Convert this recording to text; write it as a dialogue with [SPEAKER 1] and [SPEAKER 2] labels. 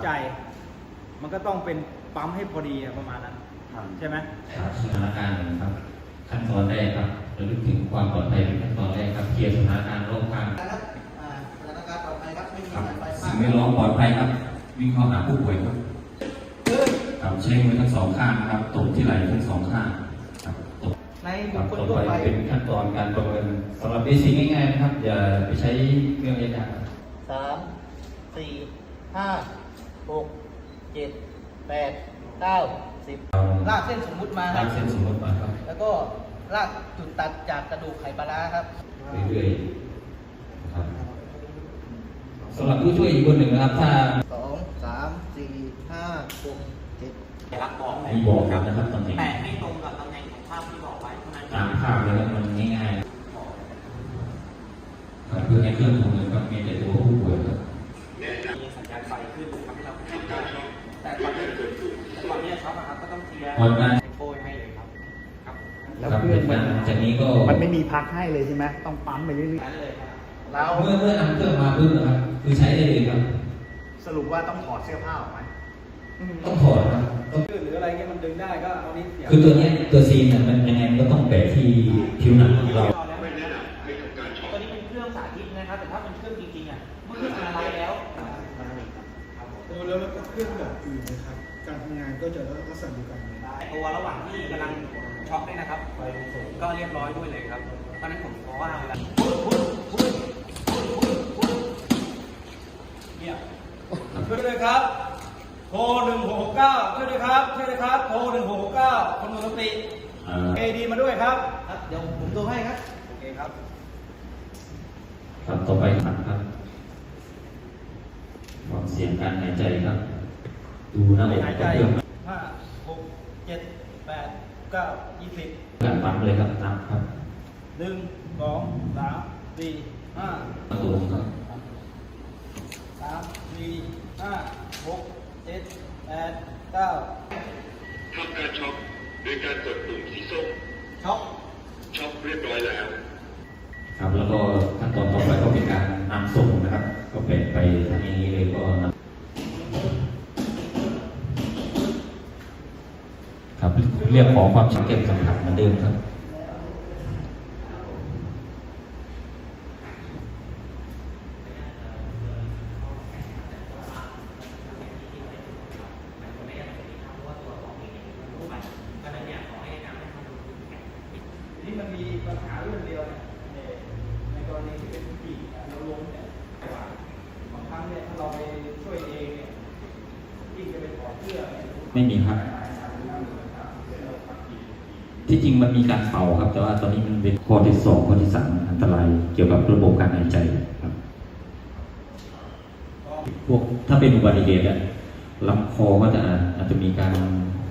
[SPEAKER 1] ใจมันก็ต้องเป็นปั๊มให้พอดีประมาณนั้นใช่ไหม
[SPEAKER 2] ครับสถานการณ์นะครับขั้นตอนแรกครับระลึกถึงความปลอดภัยเป็นขั้นตอนแรกครับเคลียร์สถานการณ์รอบข้าง
[SPEAKER 3] ครับสถานการณ์ปลอดภัยครับไม่มีสายไฟ
[SPEAKER 2] สิ่งแวดล้อมปลอดภัยครับวิ่งเข้าหาผู้ป่วยครับใช้มือทั้งสองข้างนะครับตบที่ไหล่ทั้งสองข้างครับตบ
[SPEAKER 3] ในบุคคล
[SPEAKER 2] ต่อ
[SPEAKER 3] ทั่วไป
[SPEAKER 2] ไปเป็นขั้นตอนการประเมินสำหรับเบสิกง่ายๆนะครับอย่าไปใช้เครื่องยาก
[SPEAKER 3] 3 4 5 6 7 8 9 10ลากเส้นสมมุติมาค
[SPEAKER 2] ลา
[SPEAKER 3] รับ
[SPEAKER 2] กเส้นสมมติมาครับ
[SPEAKER 3] แล้วก็ลากจุดตัดจากกระดูกไขปลาร้าครับ
[SPEAKER 2] เรื่อยๆนะครับสำหรับผู้ช่วยอีกคนหนึ่งนะครับถ้า
[SPEAKER 3] 2 3 4 5 6 7
[SPEAKER 4] รักบอก
[SPEAKER 2] มีบอกครับนะครับตำแหน่ง
[SPEAKER 4] แต่ไม่ตรงกับตำแหน่งของภาพที่บอกไว้เท่านั้น
[SPEAKER 2] ตามภาพเลยครับมันง่ายๆครับเพื่อให้เครื่องทำงานครับมีแต่ตัวผู้ป่วยครับ
[SPEAKER 4] มีสัญญาณไฟขึ้นทำให้เราทำได้แต่ตอนนี้ช็อปนะครับก็ต้องเคลียร์โป้ยให้เลยครับ
[SPEAKER 5] แล้วเครื่องมัน
[SPEAKER 2] จากนี้ก็
[SPEAKER 5] มันไม่มีพักให้เลยใช่ไหมต้องปั๊มไปเรื่อย
[SPEAKER 4] นั้นเลยครับ
[SPEAKER 5] ๆแล้ว
[SPEAKER 2] เมื่อนำเครื่องมาปุ๊บนะครับคือใช้ได้เลยครับ
[SPEAKER 5] สรุปว่าต้องถอดเสื้อผ้าออกไหม
[SPEAKER 2] ต้องถอดครับต้อง
[SPEAKER 1] หรืออะไรเงี้ยมันดึงได้ก็เอานี้เสียบ
[SPEAKER 2] คือตัวเนี้ยตัวซีนเนี่ยมันยังไงมันก็ต้องแปะที่ผิวหนังของเรา
[SPEAKER 4] ไม่แนะนำให้ทำการช็อปตัวนี้เป็นเครื่องสาธิตนะครับแต่ถ้าเป็นเครื่องจริงๆอ่ะเมื่อเครื่องอะไรแล้ว
[SPEAKER 6] แล้วก็เครื่องแบบอื่นนะครับ การทำงานก็จะลักษณะเดียวกัน
[SPEAKER 4] ตัวระหว่างที่กำลังช็อปเนี่ยนะครับก็เรียบร้อยด้วยเลยครับตอนนั้นผมเพราะว่าเวลาเนี่ยช่วยด้วยครับโทร1669ช่วยด้วยครับช่วยด้วยครับโทร1669คนหมดสติเอดีมาด้วยครับ
[SPEAKER 3] เดี๋ยวผมดูให้ครับ
[SPEAKER 4] โอเคครับ
[SPEAKER 2] ครับต่อไปครับฟังเสียงการหายใจครับดูหน้าอก
[SPEAKER 1] หาย
[SPEAKER 2] ข
[SPEAKER 1] ใจ
[SPEAKER 2] องเครื่อง
[SPEAKER 1] 5 6 7 8 9 20
[SPEAKER 2] การปั๊มเลยครับนับครับ
[SPEAKER 1] 1 2 3 4 5
[SPEAKER 2] ประตูครับ
[SPEAKER 1] 3 4 5 6 7 8 9
[SPEAKER 7] ทำการช็อปโดยการกดปุ่มสีส้ม
[SPEAKER 1] ช็อป
[SPEAKER 7] เรียบร้อยแล้ว
[SPEAKER 2] ครับแล้วก็ขั้นตอนต่อไปก็เป็นการนำส่งนะครับก็เป็นไปทางนี้เลยก็นำครับเรียกขอความชัดเจนสัมผัสเหมือนเดิมครับ
[SPEAKER 1] นี่มันมีปัญหาเรื่องเดียวในกรณีที่เป็นผู้หญิงเราล้มเนี่ยบางครั้งเนี่ยถ้าเราไปช่วยเองเนี่ยยิ่งจะไปถอดเสื้อ
[SPEAKER 2] ไม่มีครับที่จริงมันมีการเป่าครับแต่ว่าตอนนี้มันเป็นข้อที่2ข้อที่3อันตรายเกี่ยวกับระบบการหายใจครับพวกถ้าเป็นอุบัติเหตุลำคอก็จะอาจจะมีการ